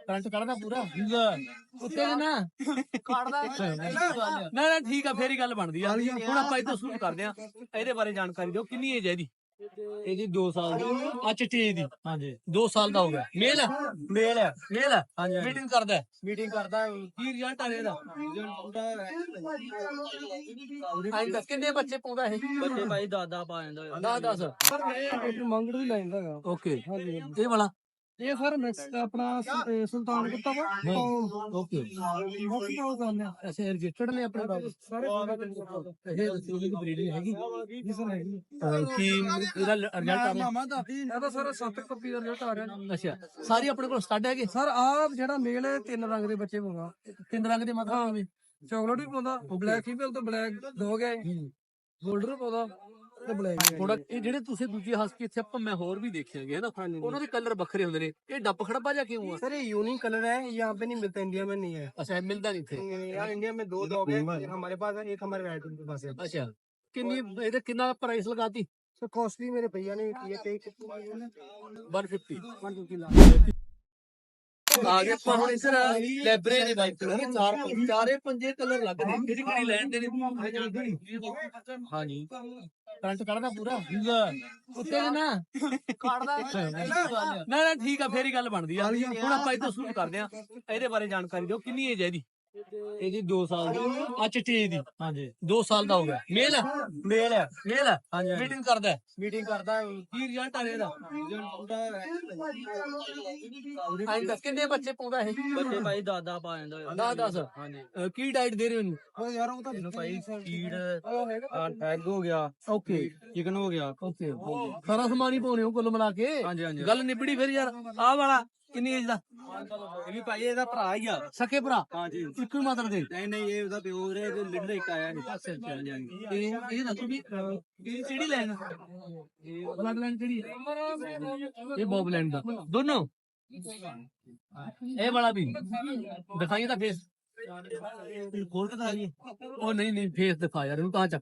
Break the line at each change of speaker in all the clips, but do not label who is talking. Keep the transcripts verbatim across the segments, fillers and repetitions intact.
Current ਕੱਢਦਾ ਪੂਰਾ ਉੱਤੇ ਨਾ ਕੱਢਦਾ ਨਾ ਨਾ ਠੀਕ ਆ ਫੇਰ ਹੀ ਗੱਲ ਬਣਦੀ ਆ। ਹੁਣ ਆਪਾਂ ਇੱਥੋਂ ਸ਼ੁਰੂ ਕਰਦੇ ਆ। ਇਹਦੇ ਬਾਰੇ ਜਾਣਕਾਰੀ ਦਿਓ, ਕਿੰਨੀ ਏਜ ਹੈ ਇਹਦੀ? ਇਹਦੀ ਦੋ ਸਾਲ ਦੀ ਆ ਚਿੱਟੀ ਦੀ। ਹਾਂਜੀ ਦੋ ਸਾਲ ਦਾ ਹੋ ਗਿਆ। ਮੇਲ ਹੈ? ਮੇਲ ਹੈ। ਮੇਲ ਹੈ। ਹਾਂਜੀ ਮੀਟਿੰਗ ਕਰਦਾ ਮੀਟਿੰਗ ਕਰਦਾ ਕੀ ਰਿਜ਼ਲਟ ਆ ਇਹਦਾ? ਰਿਜ਼ਲਟ ਕਿੰਨੇ ਬੱਚੇ ਪਾਉਂਦਾ ਇਹ? ਬੱਚੇ ਭਾਈ ਦਾਦਾ ਪਾ ਜਾਂਦਾ ਦਸ ਦਸ
ਮੰਗੜ ਵੀ ਲੈਂਦਾ ਹੈਗਾ।
ਓਕੇ ਇਹ ਵਾਲਾ
ਇਹ ਸਰ ਮਿਕਸ ਆਪਣਾ ਸੁਲਤਾਨ ਕੁੱਤਾ ਵਾ
ਓਕੇ ਅੱਛਾ ਰਜਿਸਟਰਡ ਨੇ ਆਪਣੇ ਬਾਬੂ ਸਾਰੇ ਇਹ ਰਸੂਲੀ ਦੀ ਬਰੀਡ ਹੈਗੀ
ਜੀ ਸਰ ਹੈਗੀ।
ਕੀ ਇਹਦਾ ਰਿਜ਼ਲਟ ਆ ਰਿਹਾ?
ਇਹ ਤਾਂ ਸਰ ਸੱਤ ਕਾਪੀ ਦਾ ਰਿਜ਼ਲਟ ਆ ਰਿਹਾ।
ਅੱਛਾ ਸਾਰੀ ਆਪਣੇ ਕੋਲ ਸਟੱਡ ਹੈਗੇ
ਸਰ ਆਹ ਜਿਹੜਾ ਮੇਲ ਹੈ ਤਿੰਨ ਰੰਗ ਦੇ ਬੱਚੇ ਪਾਉਂਦਾ।
ਤਿੰਨ ਰੰਗ ਦੇ ਮਤਲਬ
ਚਾਕਲੇਟ ਵੀ ਪਾਉਂਦਾ, ਬਲੈਕ ਫੀਮੇਲ ਤੋਂ ਬਲੈਕ ਡੌਗ ਹੈ, ਗੋਲਡਨ ਪਾਉਂਦਾ ਤੇ ਬਲੈਕ
ਥੋੜਾ। ਇਹ ਜਿਹੜੇ ਤੁਸੀਂ ਦੂਜੇ ਹਸਕੀ ਇੱਥੇ ਆਪਾਂ ਮੈਂ ਹੋਰ ਵੀ ਦੇਖਿਆਗੇ ਨਾ, ਉਹਨਾਂ ਦੇ ਕਲਰ ਵੱਖਰੇ ਹੁੰਦੇ ਨੇ। ਇਹ ਡੱਬ ਖੜਬਾ ਜਾਂ ਕਿਉਂ ਆ?
सर ये यूनिक कलर है, यहाँ पे नहीं मिलता, इंडिया में नहीं है।
ਅੱਛਾ ਮਿਲਦਾ ਨਹੀਂ ਇੱਥੇ।
यार इंडिया में दो डॉग है, एक हमारे पास है, एक हमारे राइट के पास है।
ਅੱਛਾ ਕਿੰਨੀ ਇਹਦੇ ਕਿੰਨਾ ਪ੍ਰਾइस ਲਗਾਤੀ?
सर कॉस्टली मेरे भैया ने ये पे
ਇੱਕ ਸੌ ਪਚਾਸ
वन फिफ्टी लाख
ਆ ਗਏ ਆਪਾਂ ਹੁਣ ਇੱਧਰ ਲੈਬਰੇ ਦੇ ਵਾਈਟ ਕਲਰ ਚਾਰ ਚਾਰੇ ਪੰਜੇ ਕਲਰ ਲੱਗ ਰਹੇ। ਕਿਹੜੀ ਕਿਹੜੀ ਲੈਣ ਦੇ ਨੇ? ਹਾਂਜੀ ਕਰੰਟ ਕੱਢਦਾ ਪੂਰਾ ਉੱਤੇ ਨਾ ਕੱਢਦਾ ਨਾ ਨਾ ਠੀਕ ਆ ਫੇਰ ਹੀ ਗੱਲ ਬਣਦੀ ਆ। ਹੁਣ ਆਪਾਂ ਇੱਥੋਂ ਸ਼ੁਰੂ ਕਰਦੇ ਆ। ਇਹਦੇ ਬਾਰੇ ਜਾਣਕਾਰੀ ਦਿਓ, ਕਿੰਨੀ ਏਜ ਹੈ ਇਹਦੀ? ਇਹਦੀ ਦੋ ਸਾਲ ਦੀ ਆ ਚਿੱਟੀ ਦੀ। ਹਾਂਜੀ ਦੋ ਸਾਲ ਦਾ ਹੋ ਗਿਆ। ਮੇਲ ਹੈ? ਮੇਲ ਹੈ। ਮੇਲ ਹੈ। ਹਾਂਜੀ ਮੀਟਿੰਗ ਕਰਦਾ ਮੀਟਿੰਗ ਕਰਦਾ ਕੀ ਰਿਜ਼ਲਟ ਆ ਰਿਹਾ ਇਹਦਾ? ਰਿਜ਼ਲਟ ਕਿੰਨੇ ਬੱਚੇ ਪਾਉਂਦਾ ਇਹ? ਬੱਚੇ ਭਾਈ ਦਾਦਾ ਪਾ ਜਾਂਦਾ ਦਸ ਦਸ। ਹਾਂਜੀ ਕੀ ਡਾਈਟ ਦੇ ਰਹੇ ਹੋ
यार वो तो
ਇਹਨੂੰ ਭਾਈ? ਫੀਡ ਐਗ ਹੋ ਗਿਆ, ਓਕੇ ਚਿਕਨ ਹੋ ਗਿਆ, ਓਕੇ ਸਾਰਾ ਸਮਾਨ ਹੀ ਪਾਉਣੇ ਹੋ ਕੁੱਲ ਮਿਲਾ ਕੇ। ਹਾਂਜੀ ਹਾਂਜੀ ਗੱਲ ਨਿਬੜੀ ਫਿਰ ਯਾਰ। ਆਹ ਵਾਲਾ ਕਿੰਨੀ ਏਜ ਦਾ? ਇਹ ਵੀ ਭਾਈ ਇਹਦਾ ਭਰਾ ਹੀ ਆ। ਸਕੇ ਭਰਾ? ਹਾਂਜੀ ਇੱਕੋ ਮਤਲਬ ਦੇ? ਨਹੀਂ ਨਹੀਂ ਇਹ ਉਹਦਾ ਪਿਓ ਰੇ ਲਿੰਡਾ ਇੱਕ ਆਇਆ ਨਹੀਂ। ਅੱਛਾ ਅੱਛਾ ਇਹ ਇਹ ਦੱਸੋ ਵੀ ਇਹ ਕਿਹੜੀ ਲਾਈਨ? ਇਹ ਬਲੱਡ ਲਾਈਨ ਕਿਹੜੀ ਹੈ? ਇਹ ਬੌਬ ਲਾਈਨ ਦਾ ਦੋਨੋਂ। ਇਹ ਵਾਲਾ ਵੀ ਦਿਖਾਈਏ ਤਾਂ ਫੇਸ ਖੋਲ ਕੇ ਦਿਖਾਈਏ। ਉਹ ਨਹੀਂ ਨਹੀਂ ਫੇਸ ਦਿਖਾ ਯਾਰ ਇਹਨੂੰ ਕਹਾਂ ਚੱਕ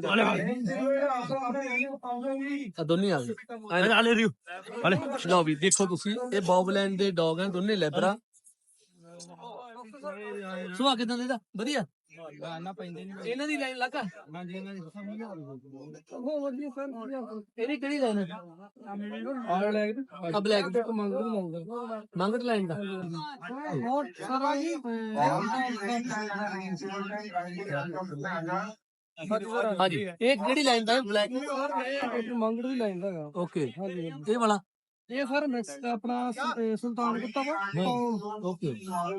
ਦੋਨੇ ਆ ਗਏ ਆਲੇ ਰਿਓ ਆਲੇ। ਲਓ ਵੀ ਦੇਖੋ ਤੁਸੀਂ ਇਹ ਬੌਬਲੈਂਡ ਦੇ ਡੌਗ ਹਨ ਦੋਨੇ ਲੈਬਰਾ। ਸੁਭਾ ਕਿਦਾਂ ਦਾ? ਵਧੀਆ ਇਹਨਾਂ ਦੀ ਲਾਈਨ ਲੱਗਾ। ਇਹਦੀ ਕਿਹੜੀ ਲਾਈਨ ਹੈ? ਬਲੈਕ ਮੰਗਟ ਲਾਈਨ ਦਾ। ਹਾਂਜੀ ਇਹ ਕਿਹੜੀ ਲਾਈਨ ਦਾ? ਬਲੈਕ
ਮੰਗੜ ਵੀ ਲੈਂਦਾ ਹੈਗਾ।
ਓਕੇ ਇਹ ਵਾਲਾ
ਇਹ ਸਰ ਮਿਕਸ ਆਪਣਾ ਸੁਲਤਾਨ ਕੁੱਤਾ ਵਾ
ਓਕੇ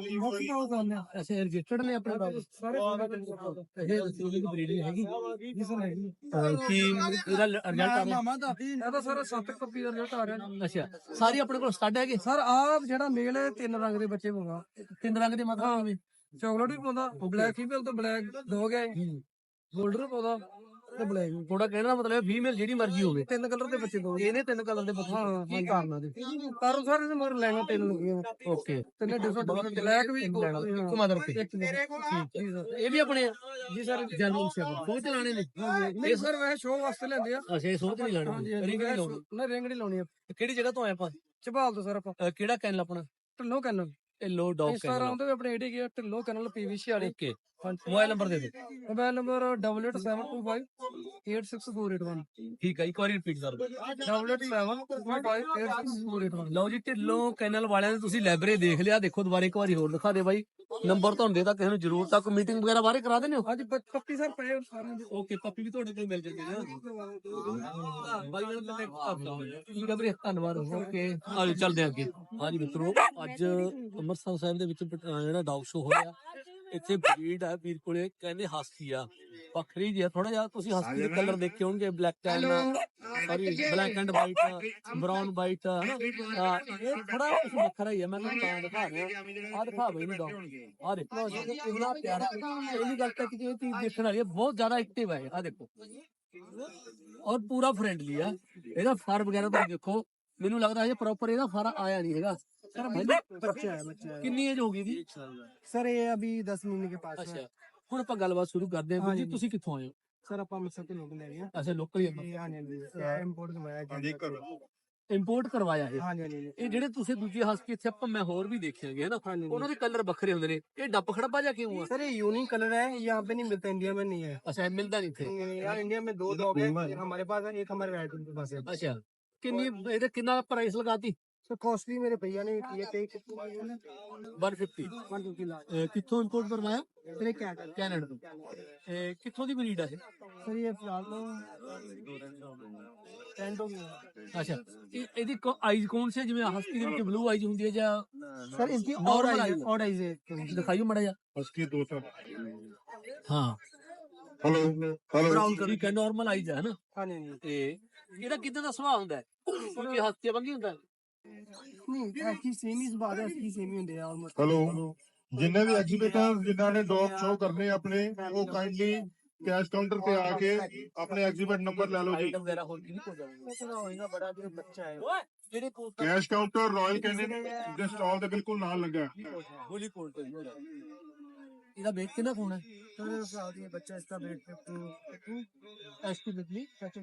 ਅੱਛਾ ਰਜਿਸਟਰਡ ਨੇ ਆਪਣੇ ਬਾਬੂ
ਸਾਰੇ
ਇਹ ਰਸੂਲੀ ਦੀ ਬਰੀਡ ਹੈਗੀ
ਜੀ ਸਰ ਹੈਗੀ।
ਕੀ ਇਹਦਾ ਰਿਜ਼ਲਟ ਆ ਰਿਹਾ?
ਇਹ ਤਾਂ ਸਰ ਸੱਤ ਕਾਪੀ ਦਾ ਰਿਜ਼ਲਟ ਆ ਰਿਹਾ।
ਅੱਛਾ ਸਾਰੀ ਆਪਣੇ ਕੋਲ ਸਟੱਡ ਹੈਗੇ?
ਸਰ ਆਹ ਜਿਹੜਾ ਮੇਲ ਹੈ ਤਿੰਨ ਰੰਗ ਦੇ ਬੱਚੇ ਪਾਉਂਦਾ।
ਤਿੰਨ ਰੰਗ ਦੇ ਮਤਲਬ
ਚਾਕਲੇਟ ਵੀ ਪਾਉਂਦਾ, ਬਲੈਕ ਫੀਮੇਲ ਤੋਂ ਬਲੈਕ ਡੌਗ ਹੈ, ਗੋਲਡਨ ਪਾਉਂਦਾ ਤੇ ਬਲੈਕ।
ਥੋੜਾ ਕਹਿਣ ਦਾ ਮਤਲਬ ਫੀਮੇਲ ਜਿਹੜੀ ਮਰਜ਼ੀ ਹੋਵੇ।
ਤਿੰਨ ਕਲਰ ਦੇ ਬੱਚੇ ਪਾਉਂਦੇ।
ਇਹਨੇ ਤਿੰਨ ਕਲਰ ਦੇ ਬੱਚੇ
ਹਾਂ
ਕੀ ਕਾਰਨ ਦੇ?
ਕਾਰਨ ਸਾਰੇ ਦੇ ਮਗਰ ਲੈਣਾ ਤਿੰਨ ਲੱਗੀਆਂ।
ਓਕੇ
ਤਿੰਨੇ ਡਿਫਰੈਂਟ ਬਲੈਕ ਵੀ
ਇੱਕ ਮਦਰ ਤੇ
ਇੱਕ
ਇਹ ਵੀ ਆਪਣੇ
ਜੀ ਸਰ
ਜਨਰਲ ਸੇਵਾ ਸੋਚ ਲਾਣੇ ਨੇ।
ਨਹੀਂ ਸਰ ਵੈਸੇ ਸ਼ੋਅ ਵਾਸਤੇ ਲੈਂਦੇ ਆ।
ਅੱਛਾ ਇਹ ਸੋਚ ਨਹੀਂ ਲਾਣੀ ਰਿੰਗ ਨਹੀਂ ਲਾਉਣੀ।
ਨਾ ਰਿੰਗ ਨਹੀਂ ਲਾਉਣੀ।
ਕਿਹੜੀ ਜਗ੍ਹਾ ਤੋਂ ਆਏ ਆਪਾਂ?
ਝਬਾਲ ਤੋਂ ਸਰ ਆਪਾਂ
ਅਹ ਕਿਹੜਾ ਕੈਨਲ ਆਪਣਾ?
ਢਿੱਲੋਂ ਕੈਨਲ।
ਇਹ ਲੋ ਡੌਗ
ਇੰਸਟਾਗ੍ਰਾਮ ਤੇ ਵੀ ਆਪਣੇ ਆਈਡੀ ਗਿਆ ਢਿੱਲੋਂ ਕੈਨਲ ਪੀਵੀਸੀ ਵਾਲੇ।
ਓਕੇ ਮੋਬਾਈਲ ਨੰਬਰ ਦੇ ਦਿਓ।
Mobile number double eight seven two five eight six four eight one.
ਠੀਕ ਹੈ ਇੱਕ ਵਾਰੀ ਰਿਪੀਟ ਕਰ ਦਿਓ।
Double eight seven two five eight six four eight one.
ਲਓ ਜੀ ਢਿੱਲੋਂ ਕੈਨਲ ਵਾਲਿਆਂ ਨੇ ਤੁਸੀਂ ਲਾਇਬ੍ਰੇਰੀ ਦੇਖ ਲਿਆ। ਦੇਖੋ ਦੁਬਾਰਾ ਇੱਕ ਵਾਰੀ ਹੋਰ ਦਿਖਾ ਦੇ ਬਾਈ। ਨੰਬਰ ਤੁਹਾਨੂੰ ਦੇਤਾ, ਕਿਸੇ ਨੂੰ ਜ਼ਰੂਰਤ ਆ ਕੋਈ ਮੀਟਿੰਗ ਵਗੈਰਾ ਬਾਰੇ ਕਰਾ ਦੇਣੇ ਹੋ?
ਅੱਜ ਪੱਪੀ ਸਰ ਪਏ ਸਾਰਿਆਂ ਦੇ।
ਓਕੇ ਪੱਪੀ ਵੀ ਤੁਹਾਡੇ ਕੋਲ ਮਿਲ ਜਾਂਦੀ ਹੈ ਬਾਈ ਨਾਲ ਠੀਕ ਹੈ ਵੀਰੇ ਧੰਨਵਾਦ। ਓਕੇ ਆਜੋ ਚੱਲਦੇ ਅੱਗੇ। ਹਾਂਜੀ ਮਿੱਤਰੋ ਅੱਜ ਅੰਮ੍ਰਿਤਸਰ ਸਾਹਿਬ ਦੇ ਵਿੱਚ ਜਿਹੜਾ ਡੌਗ ਸ਼ੋ ਹੋਇਆ ਇੱਥੇ ਬਰੀਡ ਆ ਵੀਰ ਕੋਲੇ ਕਹਿੰਦੇ ਹਸਕੀ ਆ ਵੱਖਰੀ ਜੀ ਆ ਥੋੜਾ ਜਿਹਾ। ਤੁਸੀਂ ਹਸਕੀ ਦੇ ਕਲਰ ਦੇਖੇ ਹੋਣਗੇ black tan sorry black and white brown white ਹਨਾ ਇਹ ਥੋੜਾ ਕੁਝ ਵੱਖਰਾ ਹੀ ਆ। ਮੈਂ ਤੁਹਾਨੂੰ ਤਾਂ ਦਿਖਾ ਰਿਹਾ ਆ ਦਿਖਾ ਬਈ ਡੌਗ ਆ ਦੇਖੋ ਕਿੰਨਾ ਪਿਆਰਾ। ਪਹਿਲੀ ਗੱਲ ਤਾਂ ਕਿ ਇਹ ਚੀਜ਼ ਦੇਖਣ ਵਾਲੀ ਹੈ ਬਹੁਤ ਜ਼ਿਆਦਾ ਐਕਟਿਵ ਹੈ। ਆ ਦੇਖੋ ਔਰ ਪੂਰਾ ਫਰੈਂਡਲੀ ਆ। ਇਹਦਾ ਫਰ ਵਗੈਰਾ ਤੁਸੀਂ ਦੇਖੋ ਮੈਨੂੰ ਲੱਗਦਾ ਹੈ ਪ੍ਰੋਪਰ ਇਹਦਾ ਫਰ ਆਇਆ ਨਹੀਂ ਹੈਗਾ।
बच्चा है बच्चा है।
ਕਿੰਨੀ ਏਜ ਹੋ ਗਈ ਦੀ?
सर ये अभी दस महीने के पास है।
ਅੱਛਾ ਹੁਣ ਆਪਾਂ ਗੱਲਬਾਤ ਸ਼ੁਰੂ ਕਰਦੇ ਹਾਂ ਜੀ। ਤੁਸੀਂ ਕਿੱਥੋਂ ਆਏ ਹੋ?
सर आप अमृतसर के लोग ले रहे हैं।
ਅੱਛਾ ਲੋਕਲ ਹੀ
हाँ जी इंपोर्ट करवाया।
ਇੰਪੋਰਟ ਕਰਵਾਇਆ ਇਹ
ਹਾਂਜੀ ਹਾਂਜੀ
ਇਹ ਜਿਹੜੇ ਤੁਸੀਂ ਦੂਜੇ ਹਸਕੀ ਇੱਥੇ ਆਪਾਂ ਮੈਂ ਹੋਰ ਵੀ ਦੇਖਿਆਗੇ ਹਨਾ
हाँ जी
ਉਹਨਾਂ ਦੇ ਕਲਰ ਵੱਖਰੇ ਹੁੰਦੇ ਨੇ ਇਹ ਡੱਬ ਖੜਬਾ ਜਾਂ ਕਿਉਂ ਆ
सर ये यूनिक कलर है यहाँ पे नहीं मिलता इंडिया में नहीं है
ਅੱਛਾ ਇਹ ਮਿਲਦਾ ਨਹੀਂ ਇੱਥੇ
यार इंडिया में दो डॉग है एक हमारे पास है एक हमारे रेड के पास है
ਅੱਛਾ ਕਿੰਨੀ ਇਹਦਾ ਕਿੰਨਾ ਪ੍ਰਾਈਸ ਲਗਾਤੀ
सर कॉस्टली मेरे भैया ने किए थे
ਇੱਕ ਸੌ ਪਚਾਸ
वन फिफ्टी लाख
ਇਹ ਕਿੱਥੋਂ ਇੰਪੋਰਟ ਕਰਵਾਇਆ
सर ये क्या है
ਕੈਨੇਡਾ ਤੋਂ ਇਹ ਕਿੱਥੋਂ ਦੀ ਬਰੀਡ ਆ ਇਹ
सर ये फिलहाल तो टेंट हो गया
ਅੱਛਾ ਇਹ ਇਹਦੀ ਆਈਜ਼ ਕੌਣ ਸੀ ਜਿਵੇਂ ਹਸਕੀ ਦੇ ਵਿੱਚ ਬਲੂ ਆਈਜ਼ ਹੁੰਦੀ ਹੈ ਜਾਂ
सर इसकी और
Normal
आइज
eyes
और आइज है
ਦਿਖਾਈਓ ਮੜਾ ਜਾ
उसकी दो सौ
ਹਾਂ
हेलो हेलो
ਬਰਾਊਨ ਕਰੀ ਕਿ ਨਾਰਮਲ ਆਈਜ਼ ਹੈ ਨਾ
हाँ नहीं नहीं
ਤੇ ਇਹਦਾ ਕਿਦਾਂ ਦਾ ਸੁਭਾਅ ਹੁੰਦਾ ਹੈ ਕਿਉਂਕਿ ਹਸਕੀ ਵਾਂਗੀ ਹੁੰਦਾ ਹੈ
नहीं ऐसी सेम ही बात है इसकी सेम ही होती है ऑलमोस्ट
हेलो जिन्हें भी एग्जीबिटर जिन्होंने डॉग शो करने अपने वो काइंडली कैश काउंटर पे आके अपने एग्जीबिट नंबर ले लो जी
ਆਈਟਮ ਵਗੈਰਾ ਹੋਰ ਕੀ ਹੋ ਜਾਊਗਾ
इतना होएगा बड़ा जो बच्चा है
ਓਏ ਜਿਹੜੇ ਕੋਲ
कैश काउंटर रॉयल कैनिन ਦੇ ਸਟਾਲ ਦੇ ਬਿਲਕੁਲ ਨਾਲ ਲੱਗਾ ਹੈ।
ਹੋਲੀ ਕੋਲ ਤੇ ਹੋਣਾ ਇਹਦਾ ਵੇਟ ਕਿੰਨਾ ਕੋਣ ਹੈ
सर साथ ये बच्चा इसका वेट फिफ्टीन
ਐਸਟੀਮੇਟਲੀ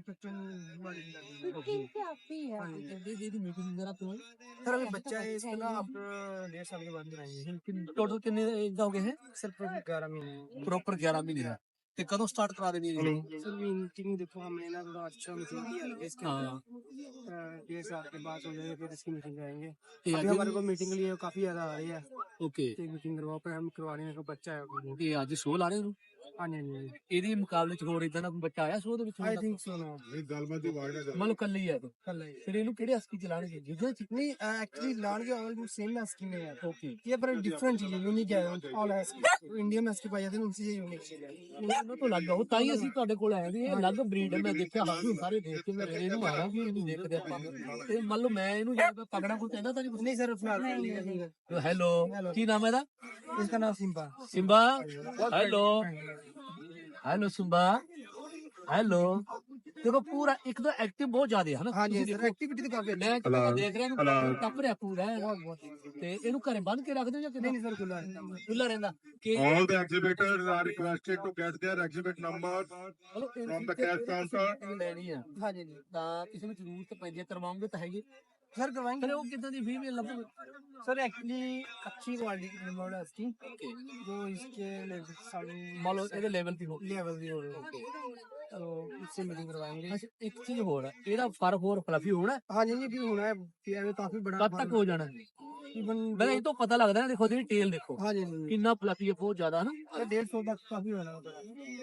फिफ्टीन
ਦੀ ਦੀ ਮੀਟਿੰਗ ਵਗੈਰਾ ਤੋਂ
सर अभी बच्चा है इसको ना आप डेढ़ साल के बाद कराएंगे
ਟੋਟਲ ਕਿੰਨੇ ਏਜ ਦਾ ਹੋ ਗਿਆ ਹੈ
सर पूरे ग्यारह महीने
ਪ੍ਰੋਪਰ ਗਿਆਰਾਂ ਮਹੀਨੇ ਦਾ ਤੇ ਕਦੋਂ ਸਟਾਰਟ ਕਰਾ ਦੇਣੀ ਹੈ ਜੀ
सर मीटिंग देखो हमने ना थोड़ा अच्छा मीटिंग इसके
हाँ।
अ, डेढ़ साल के बाद हो जाएगा फिर इसकी मीटिंग कराएंगे
ਤੇ
अभी
ਅੱਜ
हमारे को मीटिंग के लिए काफी ज्यादा आ रही है
ਓਕੇ
एक मीटिंग करवाओ पर हम करवा रहे हैं को बच्चा है हाँ
ਤੇ ਅੱਜ ਸ਼ੋਅ ਲਾ ਰਹੇ ਨੂੰ
जी हाँ जी
ਇਹਦੇ ਮੁਕਾਬਲੇ ਚ ਹੋਰ ਇਦਾਂ ਦਾ ਕੋਈ ਬੱਚਾ ਆਇਆ ਸ਼ੋਅ ਦੇ ਵਿੱਚ
आई थिंक सो ना
ਇਹ ਗੱਲ ਮੈਂ ਦੀ ਵਾਰਡ ਹੈ
ਮੰਨ ਲਓ ਕੱਲੀ ਹੈ ਇਹ।
कल है
ਫਿਰ ਇਹਨੂੰ ਕਿਹੜੇ ਹਸਕੀ ਚਲਾਣਗੇ ਜਿਹਦੇ ਚ
नहीं एक्चुअली लान के ऑलमोस्ट सेम स्कीम है यार
ਓਕੇ
ये पर डिफरेंट चीज है यूनिक है ऑल है इंडिया में इसके पाए जाते हैं उनसे ये यूनिक चीज है
ਉਹਨਾਂ ਤੋਂ ਲੱਗ ਉਹ ਤਾਂ ਹੀ ਅਸੀਂ ਤੁਹਾਡੇ ਕੋਲ ਆਏ ਵੀ ਇਹ ਅਲੱਗ ਬਰੀਡ ਹੈ ਮੈਂ ਦੇਖਿਆ ਹਾਜ਼ੂ ਸਾਰੇ ਦੇਖ ਕੇ ਮੈਂ ਇਹਨੂੰ ਮਾਰਾਂ ਵੀ ਇਹਨੂੰ ਦੇਖਦੇ ਆਪਾਂ ਤੇ ਮੰਨ ਲਓ ਮੈਂ ਇਹਨੂੰ ਜੇ ਪਕੜਾਂ ਕੋਈ ਕਹਿੰਦਾ ਤਾਂ ਨਹੀਂ
नहीं सर फिलहाल
ਹੈਲੋ ਕੀ ਨਾਮ ਹੈ ਇਹਦਾ
इसका नाम Simba
Simba hello hello Simba hello ਦੇਖੋ ਪੂਰਾ ਇੱਕ ਤਾਂ ਐਕਟਿਵ ਬਹੁਤ ਜ਼ਿਆਦਾ ਹੈ ਨਾ
हाँ जी
ਤੁਸੀਂ
सर
ਦੇਖੋ,
एक्टिविटी तो काफी
ਮੈਂ
Hello.
ਦੇਖ ਰਿਹਾ
Hello.
ਨੂੰ ਟੱਪ ਰਿਹਾ ਪੂਰਾ ਹੈ।
बहुत बहुत
ਤੇ ਇਹਨੂੰ ਘਰੇ ਬੰਨ ਕੇ ਰੱਖਦੇ ਹੋ ਜਾਂ ਕਿਦਾਂ
नहीं नहीं सर खुला है
ਖੁੱਲਾ ਰਹਿੰਦਾ ਕਿ
all the exhibitors are requested to get their exhibit numbers
ਚਲੋ ਇਹ-
from the
ਇਹ-
cash
ਇਹ-
counter.
ਇਹ ਲੈਣੀ ਆ
हाँ जी जी
ਤਾਂ ਕਿਸੇ ਵਿੱਚ ਜ਼ਰੂਰਤ ਪੈਂਦੀ ਹੈ ਕਰਵਾਉਂਗੇ ਤਾਂ ਹੈਗੇ
सर करवाएंगे
ਫਿਰ ਉਹ ਕਿਦਾਂ ਦੀ ਫੀਮੇਲ ਲੱਭੋ
सर एक्चुअली अच्छी क्वालिटी की रिमोट है इसकी जो इसके
ਮੰਨ ਲਓ ਇਹਦੇ ਲੈਵਲ ਦੀ ਹੋ
लेवल की हो रही है तो इससे मीटिंग करवाएंगे
ਅੱਛਾ ਇੱਕ ਚੀਜ਼ ਹੋਰ ਹੈ ਇਹਦਾ ਫਰ ਹੋਰ ਫਲਫੀ ਹੋਣਾ
हाँ जी जी भी होना है फिर अभी काफी बड़ा
ਕਦ ਤੱਕ ਹੋ ਜਾਣਾ
इवन
ਮੈਂ ਇਹ ਤੋਂ ਪਤਾ ਲੱਗਦਾ ਨਾ ਦੇਖੋ ਇਹਦੀ ਟੇਲ ਦੇਖੋ
हाँ जी जी
ਕਿੰਨਾ ਫਲਫੀ ਹੈ ਬਹੁਤ ਜ਼ਿਆਦਾ ਨਾ
सर डेढ़ सौ तक काफी होना होता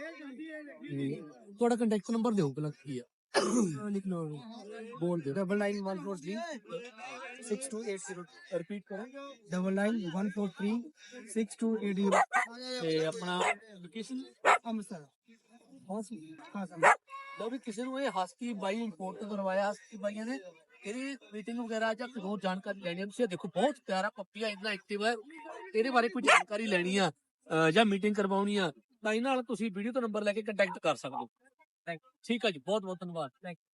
ਤੁਹਾਡਾ ਕੰਟੈਕਟ ਨੰਬਰ ਦਿਓ ਪਹਿਲਾਂ ਕੀ ਆ
है लिख लो
ਬੋਲ ਦਿਓ
double nine one four three six two eight zero
repeat ਕਰੋ
double nine one four three six two eight zero
ਤੇ ਆਪਣਾ ਲੋਕੇਸ਼ਨ
अमृतसर
ਹਾਂ ਸੀ
हाँ सर
ਲਓ ਵੀ ਕਿਸੇ ਨੂੰ ਇਹ ਹਸਕੀ ਬਾਈ ਇੰਪੋਰਟ ਤੋਂ ਕਰਵਾਇਆ ਹਸਕੀ ਬਾਈਆਂ ਨੇ ਇਹਦੀ ਮੀਟਿੰਗ ਵਗੈਰਾ ਜਾਂ ਕੋਈ ਹੋਰ ਜਾਣਕਾਰੀ ਲੈਣੀ ਹੈ ਤੁਸੀਂ ਇਹ ਦੇਖੋ ਬਹੁਤ ਪਿਆਰਾ ਪੱਪੀ ਆ ਇੰਨਾ ਐਕਟਿਵ ਹੈ ਇਹਦੇ ਬਾਰੇ ਕੋਈ ਜਾਣਕਾਰੀ ਲੈਣੀ ਆ ਅਹ ਜਾਂ ਮੀਟਿੰਗ ਕਰਵਾਉਣੀ ਆ ਤਾਂ ਇਹਨਾਂ ਨਾਲ ਤੁਸੀਂ ਵੀਡੀਓ ਤੋਂ ਨੰਬਰ ਲੈ ਕੇ ਕੰਟੈਕਟ ਕਰ ਸਕਦੇ ਹੋ ਠੀਕ ਆ ਜੀ ਬਹੁਤ ਬਹੁਤ ਧੰਨਵਾਦ